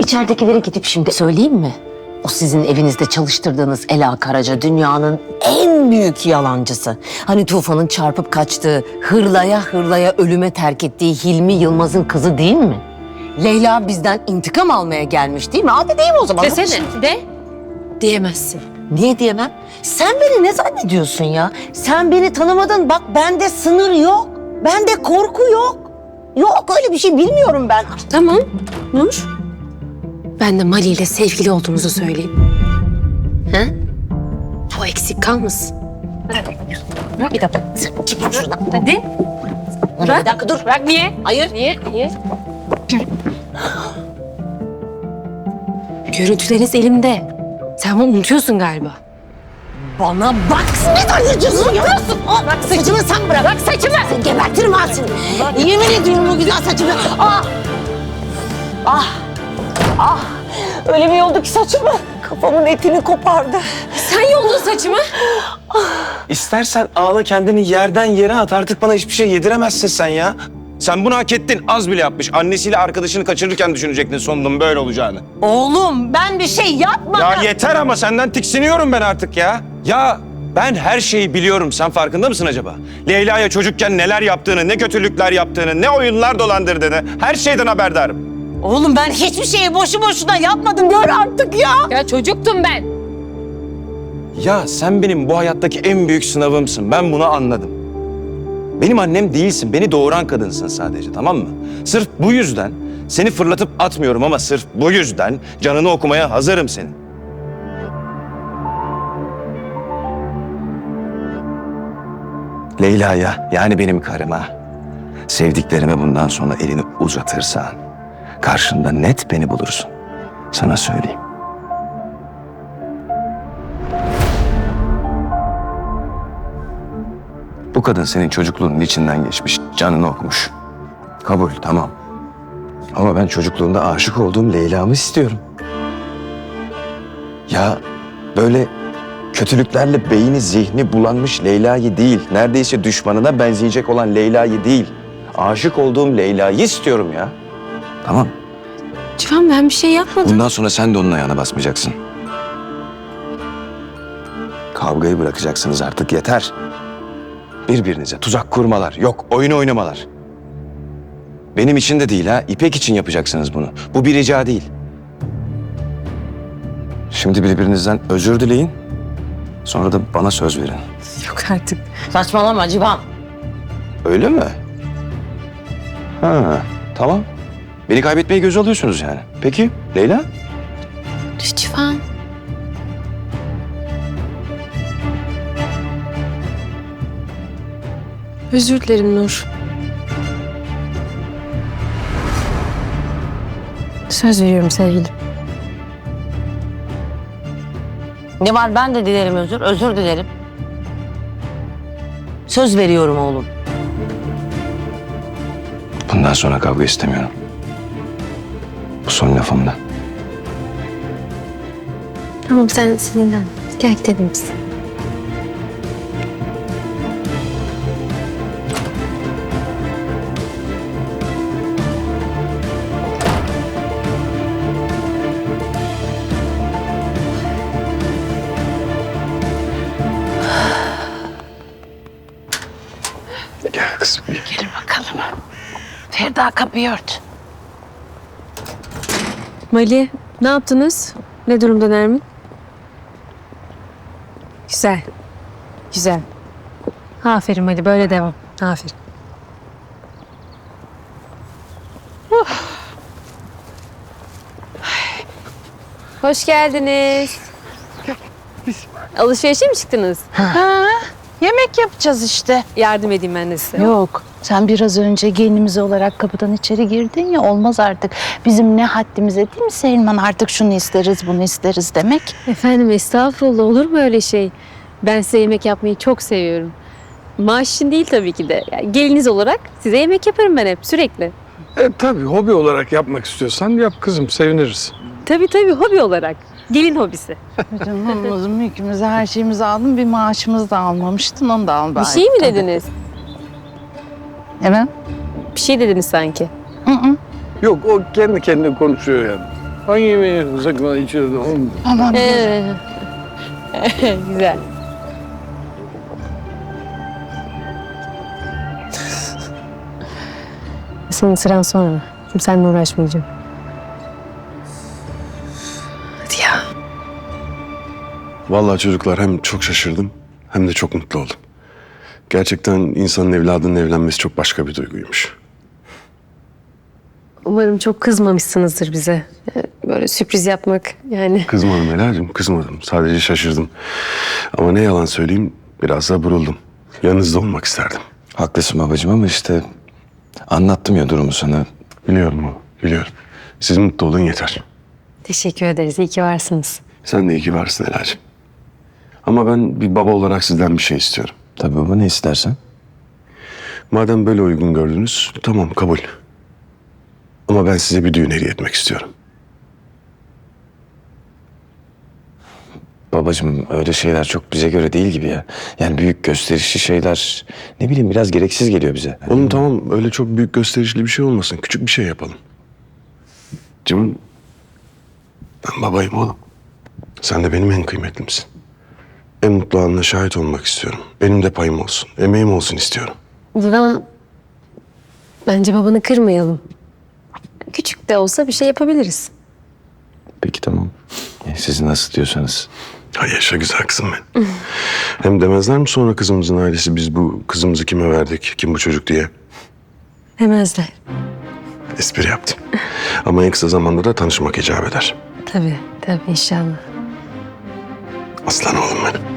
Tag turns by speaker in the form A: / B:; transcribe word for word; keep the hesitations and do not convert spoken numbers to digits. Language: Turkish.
A: İçeridekilere gidip şimdi söyleyeyim mi? O sizin evinizde çalıştırdığınız Ela Karaca dünyanın en büyük yalancısı. Hani Tufan'ın çarpıp kaçtığı, hırlaya hırlaya ölüme terk ettiği Hilmi Yılmaz'ın kızı değil mi? Leyla bizden intikam almaya gelmiş değil mi? Hadi değil mi o zaman?
B: Desene, de. Diyemezsin.
A: Niye diyemem? Sen beni ne zannediyorsun ya? Sen beni tanımadın. Bak bende sınır yok. Bende korku yok. Yok öyle bir şey bilmiyorum ben.
B: Tamam, Nur. Ben de Mali ile sevgili olduğumuzu söyleyeyim. He? O eksik kalmasın.
A: Bir dakika. Çekil şuradan.
B: Hadi.
A: Bırak. Bir dakika dur.
B: Bırak, niye?
A: Hayır.
B: Niye? Niye? Görüntüleriniz elimde. Sen bunu unutuyorsun galiba.
A: Bana bak. Ne zannediyorsun ya? Bırak saçımı sen bırak. Bırak saçımı. Seni gebertirim ha seni. Yemin ediyorum o güzel saçımı. Ah. Ah. Ah. Öyle bir yoldu ki saçımı. Kafamın etini kopardı.
B: Sen yoldun saçımı.
C: İstersen ağla kendini yerden yere at. Artık bana hiçbir şey yediremezsin sen ya. Sen bunu hak ettin. Az bile yapmış. Annesiyle arkadaşını kaçırırken düşünecektin sonunun böyle olacağını.
A: Oğlum ben bir şey yapmadım.
C: Ya yeter ama senden tiksiniyorum ben artık ya. Ya ben her şeyi biliyorum. Sen farkında mısın acaba? Leyla'ya çocukken neler yaptığını, ne kötülükler yaptığını, ne oyunlar dolandırdığını her şeyden haberdarım.
A: Oğlum ben hiçbir şeyi boşu boşuna yapmadım. Gör artık ya.
B: Ya çocuktum ben.
C: Ya sen benim bu hayattaki en büyük sınavımsın. Ben bunu anladım. Benim annem değilsin. Beni doğuran kadınsın sadece, tamam mı? Sırf bu yüzden seni fırlatıp atmıyorum ama sırf bu yüzden canını okumaya hazırım senin. Leyla'ya, yani benim karıma, sevdiklerime bundan sonra elini uzatırsan karşında net beni bulursun. Sana söyleyeyim. Bu kadın senin çocukluğunun içinden geçmiş, canını okumuş. Kabul, tamam. Ama ben çocukluğunda aşık olduğum Leyla'mı istiyorum. Ya böyle kötülüklerle beyni zihni bulanmış Leyla'yı değil, neredeyse düşmanına benzeyecek olan Leyla'yı değil, aşık olduğum Leyla'yı istiyorum ya. Tamam.
B: Civan ben bir şey yapmadım.
C: Bundan sonra sen de onun ayağına basmayacaksın. Kavgayı bırakacaksınız artık, yeter. Birbirinize tuzak kurmalar, yok oyun oynamalar. Benim için de değil ha, İpek için yapacaksınız bunu. Bu bir rica değil. Şimdi birbirinizden özür dileyin. Sonra da bana söz verin.
B: Yok artık.
A: Saçmalama Civan.
C: Öyle mi? Ha, tamam. Beni kaybetmeyi göze alıyorsunuz yani. Peki, Leyla?
B: Civan. Özür dilerim Nur. Söz veriyorum sevgilim.
A: Ne var ben de dilerim özür. Özür dilerim. Söz veriyorum oğlum.
C: Bundan sonra kavga istemiyorum. Bu son lafım da.
B: Tamam sen sinirlen. Gel gidelim biz.
C: Gel kızım.
A: Gelin bakalım. Ferda kapıyı ört.
B: Mali ne yaptınız? Ne durumda Nermin? Güzel. Güzel. Aferin Mali böyle devam. Aferin. Hoş geldiniz. Alışverişe mi çıktınız?
D: Ha, yemek yapacağız işte.
B: Yardım edeyim ben de size.
D: Yok, sen biraz önce gelinimiz olarak kapıdan içeri girdin ya, olmaz artık. Bizim ne haddimize değil mi Selman, artık şunu isteriz bunu isteriz demek.
B: Efendim estağfurullah, olur mu öyle şey? Ben size yemek yapmayı çok seviyorum. Maaş için değil tabii ki de. Yani geliniz olarak size yemek yaparım ben hep sürekli.
E: E, tabii hobi olarak yapmak istiyorsan yap kızım, seviniriz.
B: Tabii tabii hobi olarak. Gelin hobisi.
D: Bütün malımızı, mülkümüzü, her şeyimizi aldım. Bir maaşımızı da almamıştın, onu da al bari.
B: Bir şey mi dediniz?
D: Evet.
B: Bir şey dediniz sanki.
D: Hı hı.
E: Yok, o kendi kendine konuşuyor yani. Hangi yemeği sakın içeride oğlum?
D: Aman
B: Ee, Güzel. Senin sıran sonra. Şimdi seninle uğraşmayacağım. Hadi ya.
F: Vallahi çocuklar hem çok şaşırdım hem de çok mutlu oldum. Gerçekten insanın evladının evlenmesi çok başka bir duyguymuş.
B: Umarım çok kızmamışsınızdır bize. Böyle sürpriz yapmak yani.
F: Kızmadım Ela'cığım, kızmadım. Sadece şaşırdım. Ama ne yalan söyleyeyim, biraz da buruldum. Yanınızda olmak isterdim.
C: Haklısın babacığım ama işte anlattım ya durumu sana.
F: Biliyorum o, biliyorum. Siz mutlu olun yeter.
B: Teşekkür ederiz. İyi ki varsınız.
F: Sen de iyi ki varsın Ela'cığım. Ama ben bir baba olarak sizden bir şey istiyorum.
C: Tabii baba, ne istersen.
F: Madem böyle uygun gördünüz, tamam kabul. Ama ben size bir düğün hediye etmek istiyorum.
C: Babacığım öyle şeyler çok bize göre değil gibi ya. Yani büyük gösterişli şeyler ne bileyim biraz gereksiz geliyor bize.
F: Oğlum tamam, öyle çok büyük gösterişli bir şey olmasın. Küçük bir şey yapalım. Cem'im, ben babayım oğlum. Sen de benim en kıymetlimsin. En mutlu anına şahit olmak istiyorum. Benim de payım olsun, emeğim olsun istiyorum.
B: Dilan, bence babanı kırmayalım. Küçük de olsa bir şey yapabiliriz.
C: Peki tamam. E, Siz nasıl diyorsanız.
F: Hay yaşa güzel kızım benim. Hem demezler mi sonra kızımızın ailesi biz bu kızımızı kime verdik, kim bu çocuk diye?
B: Demezler.
F: Espri yaptım. Ama en kısa zamanda da tanışmak icap eder.
B: Tabii, tabii inşallah.
F: Aslan oğlum benim.